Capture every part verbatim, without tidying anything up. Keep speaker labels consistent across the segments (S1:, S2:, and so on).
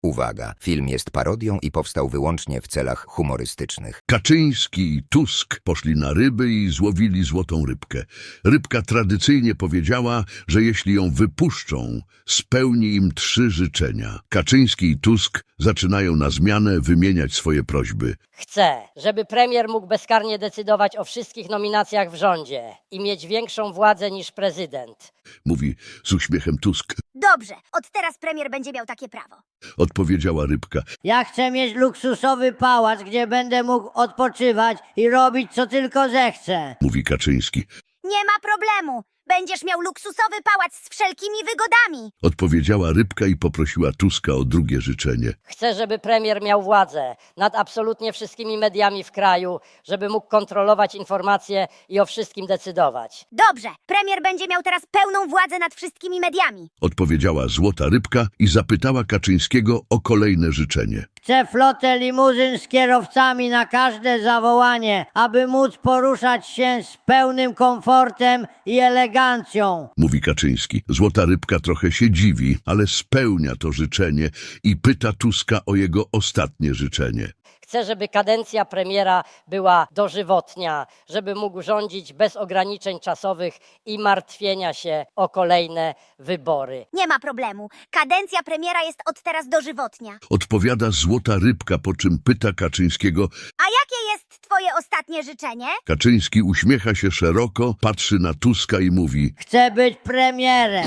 S1: Uwaga, film jest parodią i powstał wyłącznie w celach humorystycznych.
S2: Kaczyński i Tusk poszli na ryby i złowili złotą rybkę. Rybka tradycyjnie powiedziała, że jeśli ją wypuszczą, spełni im trzy życzenia. Kaczyński i Tusk zaczynają na zmianę wymieniać swoje prośby.
S3: Chcę, żeby premier mógł bezkarnie decydować o wszystkich nominacjach w rządzie i mieć większą władzę niż prezydent.
S2: Mówi z uśmiechem Tusk.
S4: Dobrze, od teraz premier będzie miał takie prawo.
S2: Odpowiedziała rybka.
S5: Ja chcę mieć luksusowy pałac, gdzie będę mógł odpoczywać i robić co tylko zechcę.
S2: Mówi Kaczyński.
S4: Nie ma problemu. Będziesz miał luksusowy pałac z wszelkimi wygodami.
S2: Odpowiedziała rybka i poprosiła Tuska o drugie życzenie.
S3: Chcę, żeby premier miał władzę nad absolutnie wszystkimi mediami w kraju, żeby mógł kontrolować informacje i o wszystkim decydować.
S4: Dobrze, premier będzie miał teraz pełną władzę nad wszystkimi mediami.
S2: Odpowiedziała złota rybka i zapytała Kaczyńskiego o kolejne życzenie.
S5: Chcę flotę limuzyn z kierowcami na każde zawołanie, aby móc poruszać się z pełnym komfortem i elegancją.
S2: Mówi Kaczyński. Złota rybka trochę się dziwi, ale spełnia to życzenie i pyta Tuska o jego ostatnie życzenie.
S3: Chcę, żeby kadencja premiera była dożywotnia, żeby mógł rządzić bez ograniczeń czasowych i martwienia się o kolejne wybory.
S4: Nie ma problemu. Kadencja premiera jest od teraz dożywotnia.
S2: Odpowiada złota rybka, po czym pyta Kaczyńskiego.
S4: A jakie jest twoje ostatnie życzenie?
S2: Kaczyński uśmiecha się szeroko, patrzy na Tuska i mówi.
S5: Chcę być premierem.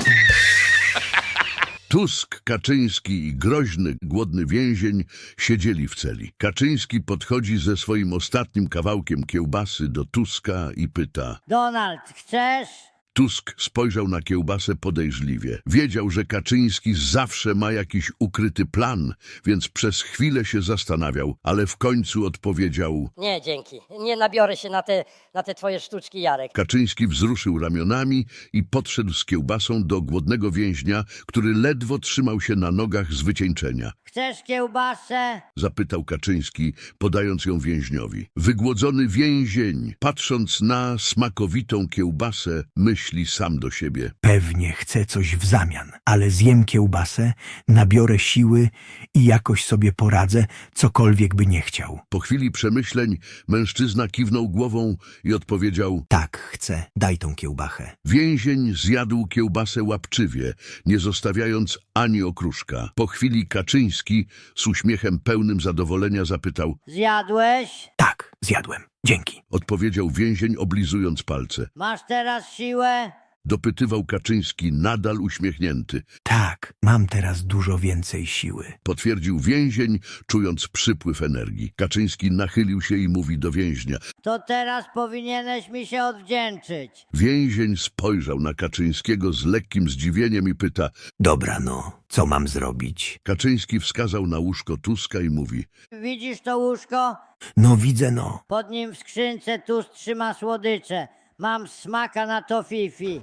S2: Tusk, Kaczyński i groźny, głodny więzień siedzieli w celi. Kaczyński podchodzi ze swoim ostatnim kawałkiem kiełbasy do Tuska i pyta.
S5: Donald, chcesz?
S2: Tusk spojrzał na kiełbasę podejrzliwie. Wiedział, że Kaczyński zawsze ma jakiś ukryty plan, więc przez chwilę się zastanawiał, ale w końcu odpowiedział.
S3: Nie, dzięki. Nie nabiorę się na te, na te twoje sztuczki, Jarek.
S2: Kaczyński wzruszył ramionami i podszedł z kiełbasą do głodnego więźnia, który ledwo trzymał się na nogach z wycieńczenia.
S5: Chcesz kiełbasę?
S2: Zapytał Kaczyński, podając ją więźniowi. Wygłodzony więzień, patrząc na smakowitą kiełbasę, myśli sam do siebie.
S6: Pewnie chcę coś w zamian, ale zjem kiełbasę, nabiorę siły i jakoś sobie poradzę, cokolwiek by nie chciał.
S2: Po chwili przemyśleń mężczyzna kiwnął głową i odpowiedział.
S6: Tak, chcę, daj tą kiełbachę.
S2: Więzień zjadł kiełbasę łapczywie, nie zostawiając ani okruszka. Po chwili Kaczyński z uśmiechem pełnym zadowolenia zapytał.
S5: Zjadłeś?
S6: Tak, zjadłem, dzięki.
S2: Odpowiedział więzień, oblizując palce.
S5: Masz teraz siłę?
S2: Dopytywał Kaczyński, nadal uśmiechnięty.
S6: Tak, mam teraz dużo więcej siły.
S2: Potwierdził więzień, czując przypływ energii. Kaczyński nachylił się i mówi do więźnia.
S5: To teraz powinieneś mi się odwdzięczyć.
S2: Więzień spojrzał na Kaczyńskiego z lekkim zdziwieniem i pyta.
S6: Dobra no, co mam zrobić?
S2: Kaczyński wskazał na łóżko Tuska i mówi.
S5: Widzisz to łóżko?
S6: No widzę no.
S5: Pod nim w skrzynce Tusk trzyma słodycze. Mam smaka na to fifi.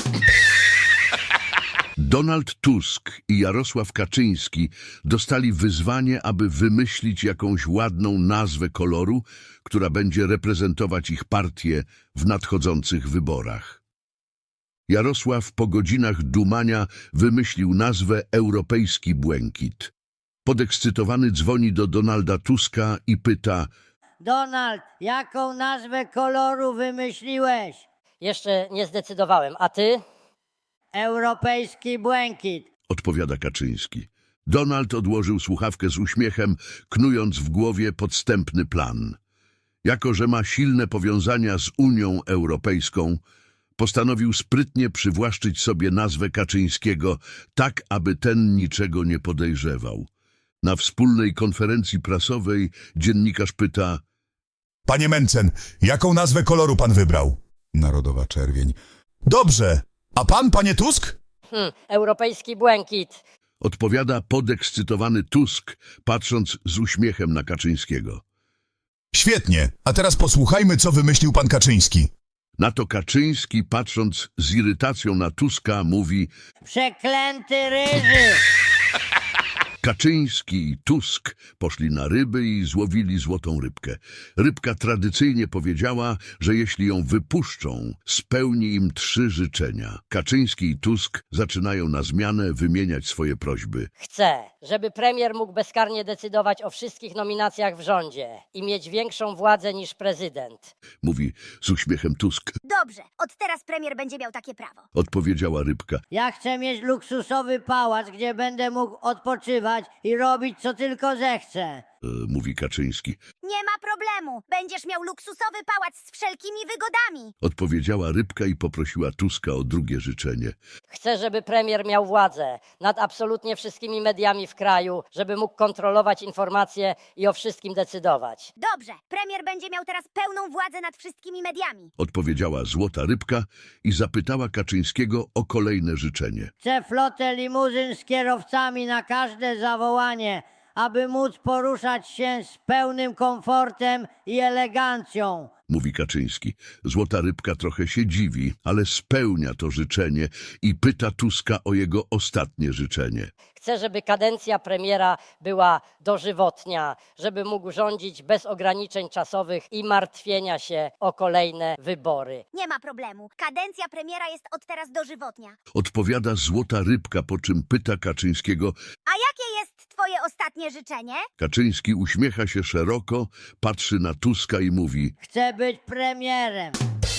S2: Donald Tusk i Jarosław Kaczyński dostali wyzwanie, aby wymyślić jakąś ładną nazwę koloru, która będzie reprezentować ich partię w nadchodzących wyborach. Jarosław po godzinach dumania wymyślił nazwę Europejski Błękit. Podekscytowany dzwoni do Donalda Tuska i pyta.
S5: Donald, jaką nazwę koloru wymyśliłeś?
S3: Jeszcze nie zdecydowałem, a ty?
S5: Europejski błękit.
S2: Odpowiada Kaczyński. Donald odłożył słuchawkę z uśmiechem, knując w głowie podstępny plan. Jako że ma silne powiązania z Unią Europejską, postanowił sprytnie przywłaszczyć sobie nazwę Kaczyńskiego, tak aby ten niczego nie podejrzewał. Na wspólnej konferencji prasowej dziennikarz pyta.
S7: Panie Mencen, jaką nazwę koloru pan wybrał? Narodowa czerwień. Dobrze. A pan, panie Tusk?
S3: Hm, europejski błękit.
S2: Odpowiada podekscytowany Tusk, patrząc z uśmiechem na Kaczyńskiego.
S7: Świetnie. A teraz posłuchajmy, co wymyślił pan Kaczyński.
S2: Na to Kaczyński, patrząc z irytacją na Tuska, mówi.
S5: Przeklęty ryży.
S2: Kaczyński i Tusk poszli na ryby i złowili złotą rybkę. Rybka tradycyjnie powiedziała, że jeśli ją wypuszczą, spełni im trzy życzenia. Kaczyński i Tusk zaczynają na zmianę wymieniać swoje prośby.
S3: Chcę, żeby premier mógł bezkarnie decydować o wszystkich nominacjach w rządzie i mieć większą władzę niż prezydent.
S2: Mówi z uśmiechem Tusk.
S4: Dobrze, od teraz premier będzie miał takie prawo.
S2: Odpowiedziała rybka.
S5: Ja chcę mieć luksusowy pałac, gdzie będę mógł odpoczywać i robić co tylko zechcę.
S2: E, mówi Kaczyński.
S4: Nie ma problemu, będziesz miał luksusowy pałac z wszelkimi wygodami.
S2: Odpowiedziała rybka i poprosiła Tuska o drugie życzenie.
S3: Chcę, żeby premier miał władzę nad absolutnie wszystkimi mediami w kraju, żeby mógł kontrolować informacje i o wszystkim decydować.
S4: Dobrze, premier będzie miał teraz pełną władzę nad wszystkimi mediami.
S2: Odpowiedziała złota rybka i zapytała Kaczyńskiego o kolejne życzenie.
S5: Chcę flotę limuzyn z kierowcami na każde zawołanie, aby móc poruszać się z pełnym komfortem i elegancją.
S2: Mówi Kaczyński. Złota rybka trochę się dziwi, ale spełnia to życzenie i pyta Tuska o jego ostatnie życzenie.
S3: Chcę, żeby kadencja premiera była dożywotnia, żeby mógł rządzić bez ograniczeń czasowych i martwienia się o kolejne wybory.
S4: Nie ma problemu, kadencja premiera jest od teraz dożywotnia.
S2: Odpowiada złota rybka, po czym pyta Kaczyńskiego.
S4: A jakie jest twoje ostatnie życzenie?
S2: Kaczyński uśmiecha się szeroko, patrzy na Tuska i mówi.
S5: Chcę być premierem.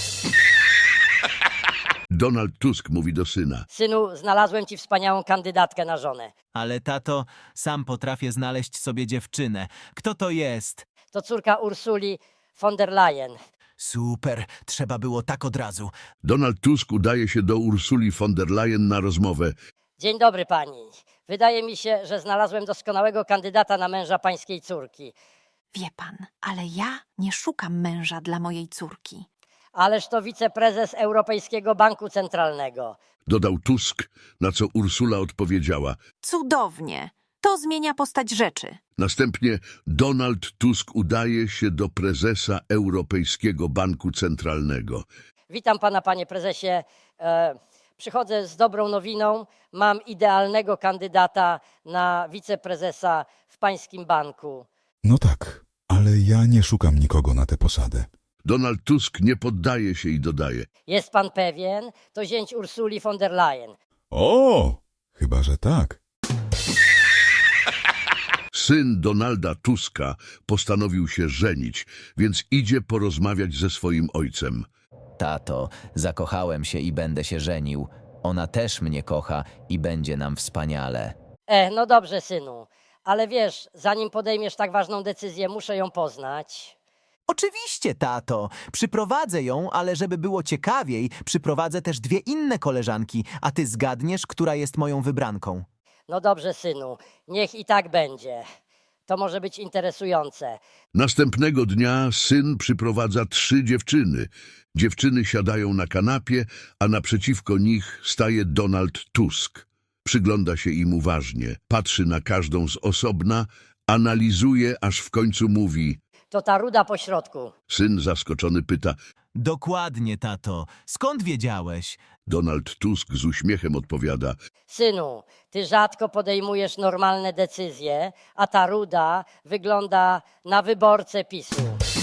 S2: Donald Tusk mówi do syna.
S3: Synu, znalazłem ci wspaniałą kandydatkę na żonę.
S8: Ale tato, sam potrafię znaleźć sobie dziewczynę. Kto to jest?
S3: To córka Ursuli von der Leyen.
S8: Super, trzeba było tak od razu.
S2: Donald Tusk udaje się do Ursuli von der Leyen na rozmowę.
S3: Dzień dobry pani. Wydaje mi się, że znalazłem doskonałego kandydata na męża pańskiej córki.
S9: Wie pan, ale ja nie szukam męża dla mojej córki.
S3: Ależ to wiceprezes Europejskiego Banku Centralnego.
S2: Dodał Tusk, na co Ursula odpowiedziała.
S9: Cudownie. To zmienia postać rzeczy.
S2: Następnie Donald Tusk udaje się do prezesa Europejskiego Banku Centralnego.
S3: Witam pana, panie prezesie. E, przychodzę z dobrą nowiną. Mam idealnego kandydata na wiceprezesa w pańskim banku.
S7: No tak, ale ja nie szukam nikogo na tę posadę.
S2: Donald Tusk nie poddaje się i dodaje.
S3: Jest pan pewien? To zięć Ursuli von der Leyen.
S7: O, chyba że tak.
S2: Syn Donalda Tuska postanowił się żenić, więc idzie porozmawiać ze swoim ojcem.
S10: Tato, zakochałem się i będę się żenił. Ona też mnie kocha i będzie nam wspaniale.
S3: E, no dobrze, synu. Ale wiesz, zanim podejmiesz tak ważną decyzję, muszę ją poznać.
S8: Oczywiście, tato. Przyprowadzę ją, ale żeby było ciekawiej, przyprowadzę też dwie inne koleżanki, a ty zgadniesz, która jest moją wybranką.
S3: No dobrze, synu. Niech i tak będzie. To może być interesujące.
S2: Następnego dnia syn przyprowadza trzy dziewczyny. Dziewczyny siadają na kanapie, a naprzeciwko nich staje Donald Tusk. Przygląda się im uważnie, patrzy na każdą z osobna, analizuje, aż w końcu mówi.
S3: To ta ruda po środku.
S2: Syn zaskoczony pyta.
S8: Dokładnie, tato. Skąd wiedziałeś?
S2: Donald Tusk z uśmiechem odpowiada.
S3: Synu, ty rzadko podejmujesz normalne decyzje, a ta ruda wygląda na wyborcę PiSu.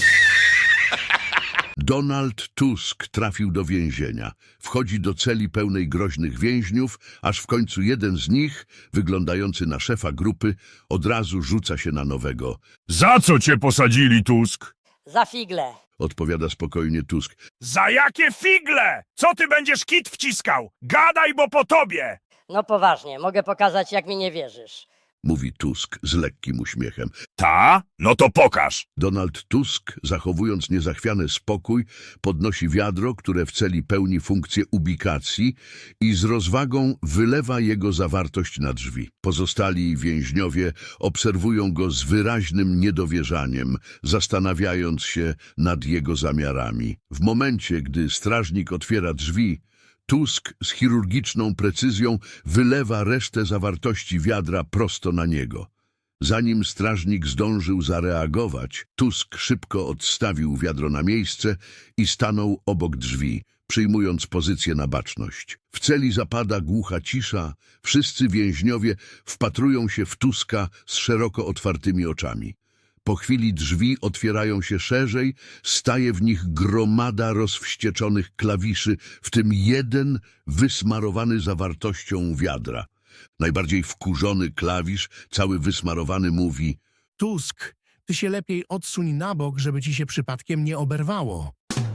S2: Donald Tusk trafił do więzienia. Wchodzi do celi pełnej groźnych więźniów, aż w końcu jeden z nich, wyglądający na szefa grupy, od razu rzuca się na nowego.
S11: Za co cię posadzili, Tusk?
S3: Za figle.
S2: Odpowiada spokojnie Tusk.
S11: Za jakie figle? Co ty będziesz kit wciskał? Gadaj, bo po tobie!
S3: No poważnie, mogę pokazać, jak mi nie wierzysz.
S2: Mówi Tusk z lekkim uśmiechem.
S11: Ta? No to pokaż.
S2: Donald Tusk, zachowując niezachwiany spokój, podnosi wiadro, które w celi pełni funkcję ubikacji i z rozwagą wylewa jego zawartość na drzwi. Pozostali więźniowie obserwują go z wyraźnym niedowierzaniem, zastanawiając się nad jego zamiarami. W momencie, gdy strażnik otwiera drzwi, Tusk z chirurgiczną precyzją wylewa resztę zawartości wiadra prosto na niego. Zanim strażnik zdążył zareagować, Tusk szybko odstawił wiadro na miejsce i stanął obok drzwi, przyjmując pozycję na baczność. W celi zapada głucha cisza, wszyscy więźniowie wpatrują się w Tuska z szeroko otwartymi oczami. Po chwili drzwi otwierają się szerzej, staje w nich gromada rozwścieczonych klawiszy, w tym jeden wysmarowany zawartością wiadra. Najbardziej wkurzony klawisz, cały wysmarowany, mówi:
S12: Tusk, ty się lepiej odsuń na bok, żeby ci się przypadkiem nie oberwało.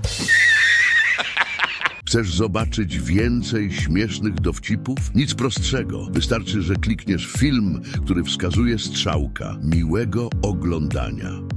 S2: Chcesz zobaczyć więcej śmiesznych dowcipów? Nic prostszego. Wystarczy, że klikniesz film, który wskazuje strzałka. Miłego oglądania.